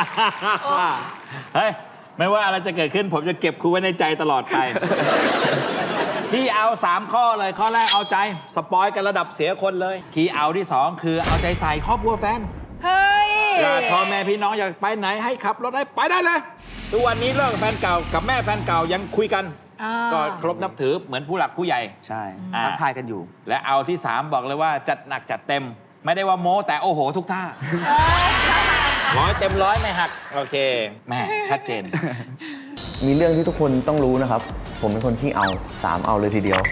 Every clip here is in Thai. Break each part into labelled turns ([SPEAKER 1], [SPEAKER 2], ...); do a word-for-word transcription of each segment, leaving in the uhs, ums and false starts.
[SPEAKER 1] เฮ้ยไม่ว่าอะไรจะเกิดขึ้นผมจะเก็บคุณไว้ในใจตลอดไป พี่เอาสามข้อเลยข้อแรกเอาใจสปอยกันระดับเสียคนเลยคีย์เอาที่สองคือเอาใจใส่ครอบครัวแฟน
[SPEAKER 2] เฮ้ย
[SPEAKER 1] อยากพ่อแม่พี่น้องอยากไปไหนให้ขับรถให้ไปได้เลยทุกวันนี้เลิกแฟนเก่ากับแม่แฟนเก่ายังคุยกันก็เคารพนับถือเหมือนผู้หลักผู้ใหญ่
[SPEAKER 3] ใช่ทักทายกันอยู่
[SPEAKER 1] และเอาที่สามบอกเลยว่าจัดหนักจัดเต็มไม่ได้ว่าโม้แต่โอ้โหทุกท่าร้อยเต็มร้อยไม่หักโอเคแม่ชัดเจน
[SPEAKER 4] มีเรื่องที่ทุกคนต้องรู้นะครับ ผมเป็นคนที่เอาสามเอาเลยทีเดียว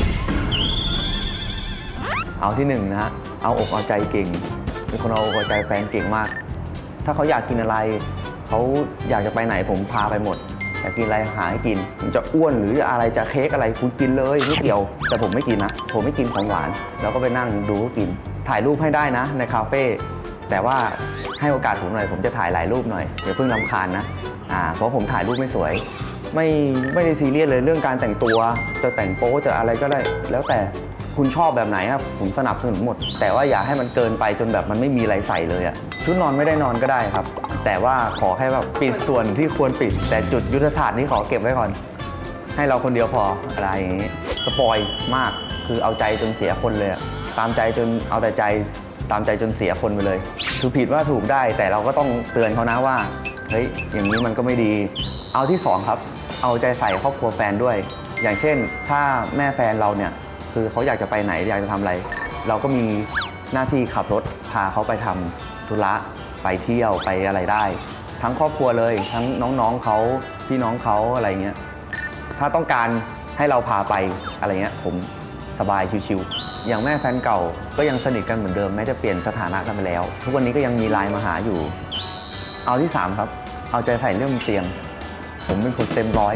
[SPEAKER 4] เอาที่หนึ่งนะฮะเอาอกเอาใจเก่งเป็นคนเอาอกเอาใจแฟนเก่งมากถ้าเขาอยากกินอะไรเขาอยากจะไปไหนผมพาไปหมดอยากกินอะไรหาให้กินผมจะอ้วนหรืออะไรจะเค้กอะไรคุณกินเลยไม่เกี่ยวแต่ผมไม่กินนะผมไม่กินของหวานแล้วก็ไปนั่งดูเขากินถ่ายรูปให้ได้นะในคาเฟ่แต่ว่าให้โอกาสผมหน่อยผมจะถ่ายหลายรูปหน่อยอย่าเพิ่งรำคาญนะอ่าเพราะผมถ่ายรูปไม่สวยไม่ไม่ได้ซีเรียสเลยเรื่องการแต่งตัวจะแต่งโป๊จะอะไรก็ได้แล้วแต่คุณชอบแบบไหนครับผมสนับสนุนหมดแต่ว่าอย่าให้มันเกินไปจนแบบมันไม่มีอะไรใส่เลยอะชุดนอนไม่ได้นอนก็ได้ครับแต่ว่าขอให้แบบปิดส่วนที่ควรปิดแต่จุดยุทธศาสตร์นี้ขอเก็บไว้ก่อนให้เราคนเดียวพออะไรอย่างนี้สปอยมากคือเอาใจจนเสียคนเลยตามใจจนเอาแต่ใจตามใจจนเสียคนไปเลยคือผิดว่าถูกได้แต่เราก็ต้องเตือนเขานะว่าเฮ้ยอย่างนี้มันก็ไม่ดีเอาที่สองครับเอาใจใส่ครอบครัวแฟนด้วยอย่างเช่นถ้าแม่แฟนเราเนี่ยคือเขาอยากจะไปไหนอยากจะทำอะไรเราก็มีหน้าที่ขับรถพาเขาไปทำธุระไปเที่ยวไปอะไรได้ทั้งครอบครัวเลยทั้งน้องๆเขาพี่น้องเขาอะไรเงี้ยถ้าต้องการให้เราพาไปอะไรเงี้ยผมสบายชิวๆอย่างแม่แฟนเก่าก็ยังสนิทกันเหมือนเดิมแม้จะเปลี่ยนสถานะกันไปแล้วทุกวันนี้ก็ยังมีไลน์มาหาอยู่เอาที่สามครับเอาใจใส่เรื่องเตียงผมเป็นคนเต็มร้อย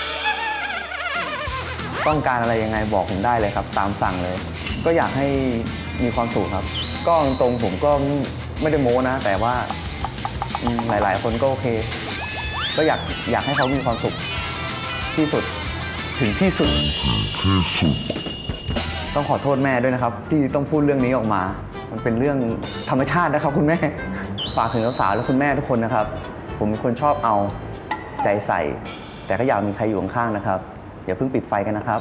[SPEAKER 4] ต้องการอะไรยังไงบอกผมได้เลยครับตามสั่งเลยก็อยากให้มีความสุขครับก็ตรงผมก็ไม่ได้โม้นะแต่ว่าหลายๆคนก็โอเคก็อยากอยากให้เขามีความสุขที่สุดถึงที่สุดต้องขอโทษแม่ด้วยนะครับที่ต้องพูดเรื่องนี้ออกมามันเป็นเรื่องธรรมชาตินะครับคุณแม่ฝากถึงสาวๆและคุณแม่ทุกคนนะครับผมเป็นคนชอบเอาใจใส่แต่ก็อยากมีใครอยู่ข้างๆนะครับอย่าเพิ่งปิดไฟกันนะครับ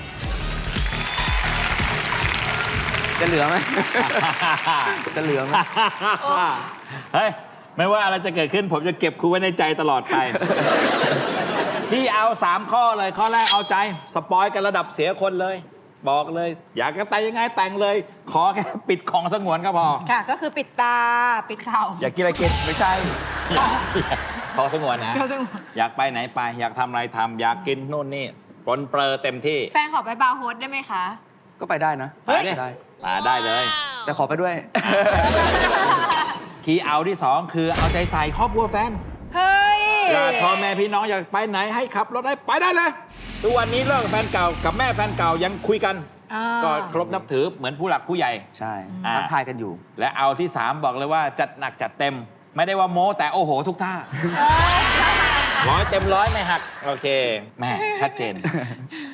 [SPEAKER 3] จะเหลือไหม จะเหลือไหม
[SPEAKER 1] เฮ้ยไม่ว่าอะไรจะเกิดขึ้นผมจะเก็บคุณไว้ในใจตลอดไป พี่เอาสามข้อเลยข้อแรกเอาใจสปอยกันระดับเสียคนเลยบอกเลยอยากจะแต่งยังไงแต่งเลยขอแค่ปิดของสงวนก็พอ
[SPEAKER 2] ค่ะก็คือปิดตาปิดเข่า
[SPEAKER 1] อยากกินอะไรกินไม่ใช่ ของสงวนนะอยากไปไหนไปอยากทำอะไรทำอยากกินนู่นนี่ปนเปลือเต็มที่
[SPEAKER 2] แฟนขอไปบาร์โฮสได้ไหมคะ
[SPEAKER 3] ก็ไปได้นะ
[SPEAKER 1] ไปได้มาได้เลย
[SPEAKER 3] แต่ขอไปด้วย
[SPEAKER 1] คีย์เอาที่สองคือเอาใจใส่ครอบครัวแฟน
[SPEAKER 2] เฮ้ย
[SPEAKER 1] อยากพ่อแม่พี่น้องอยากไปไหนให้ขับรถให้ไปได้เลยทุกวันนี้เลิกแฟนเก่ากับแม่แฟนเก่ายังคุยกันก็เคารพนับถือเหมือนผู้หลักผู้ใหญ่
[SPEAKER 3] ใช่ทักทายกันอยู่
[SPEAKER 1] และเอาที่สามบอกเลยว่าจัดหนักจัดเต็มไม่ได้ว่าโม้แต่โอ้โหทุกท่าร้อยเต็มร้อยไม่หักโอเคแม่ชัดเจน